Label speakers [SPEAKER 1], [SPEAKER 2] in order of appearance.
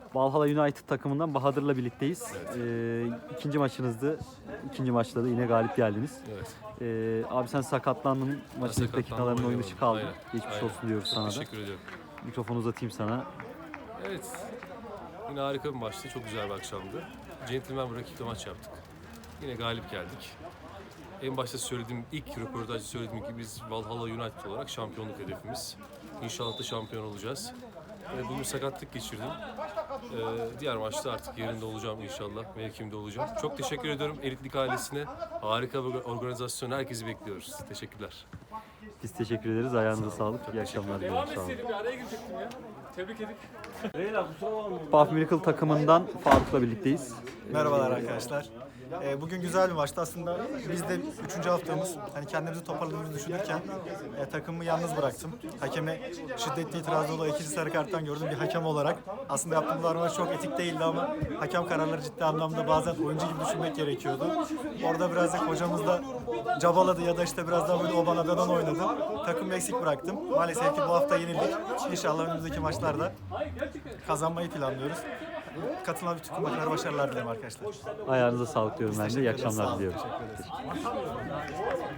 [SPEAKER 1] Valhalla United takımından Bahadır'la birlikteyiz. İkinci maçınızdı. İkinci maçta da yine galip geldiniz.
[SPEAKER 2] Evet.
[SPEAKER 1] Abi sen sakatlandın. Maçın ilk dakikalarında oyun dışı kaldın.
[SPEAKER 2] Aynen.
[SPEAKER 1] Geçmiş
[SPEAKER 2] Aynen.
[SPEAKER 1] olsun diyoruz
[SPEAKER 2] Çok
[SPEAKER 1] sana da.
[SPEAKER 2] teşekkür ediyorum.
[SPEAKER 1] Mikrofonu uzatayım sana.
[SPEAKER 2] Evet. Yine harika bir maçtı. Çok güzel bir akşamdı. Gentleman bir rakiple maç yaptık. Yine galip geldik. En başta söylediğim, ilk röportajda söylediğim gibi biz Valhalla United olarak şampiyonluk hedefimiz. İnşallah da şampiyon olacağız. Bugün sakatlık geçirdim. Diğer maçta artık yerinde olacağım inşallah. Mevkimde olacağım. Çok teşekkür ediyorum Elitlik ailesine. Harika bir organizasyon. Herkesi bekliyoruz. Teşekkürler.
[SPEAKER 1] Biz teşekkür ederiz. Ayağınıza sağlık. İyi akşamlar diliyorum.
[SPEAKER 3] Devam
[SPEAKER 1] Sağ olun.
[SPEAKER 3] etseydim ya, araya girecektim ya. Tebrik edik.
[SPEAKER 1] Buff Miracle takımından Faruk'la birlikteyiz.
[SPEAKER 4] Merhabalar arkadaşlar. Bugün güzel bir maçtı. Aslında biz de 3. haftamız. Hani kendimizi toparladığımızı düşünürken takımı yalnız bıraktım. Hakeme şiddetli itirazı olan 2. sarı karttan gördüm bir hakem olarak. Aslında yaptığımız davranış çok etik değildi ama hakem kararları ciddi anlamda bazen oyuncu gibi düşünmek gerekiyordu. Orada biraz da hocamız da cabaladı ya da işte biraz daha böyle o bana ben ona oynadı. Takımı eksik bıraktım. Maalesef ki bu hafta yenildik. İnşallah önümüzdeki maçlarda kazanmayı planlıyoruz. Katılan bütün kumarlara başarılar dilerim arkadaşlar.
[SPEAKER 1] Ayağınıza sağlık diyorum ben de. İyi akşamlar
[SPEAKER 4] Sağ olun,
[SPEAKER 1] diliyorum.
[SPEAKER 4] teşekkür ederiz.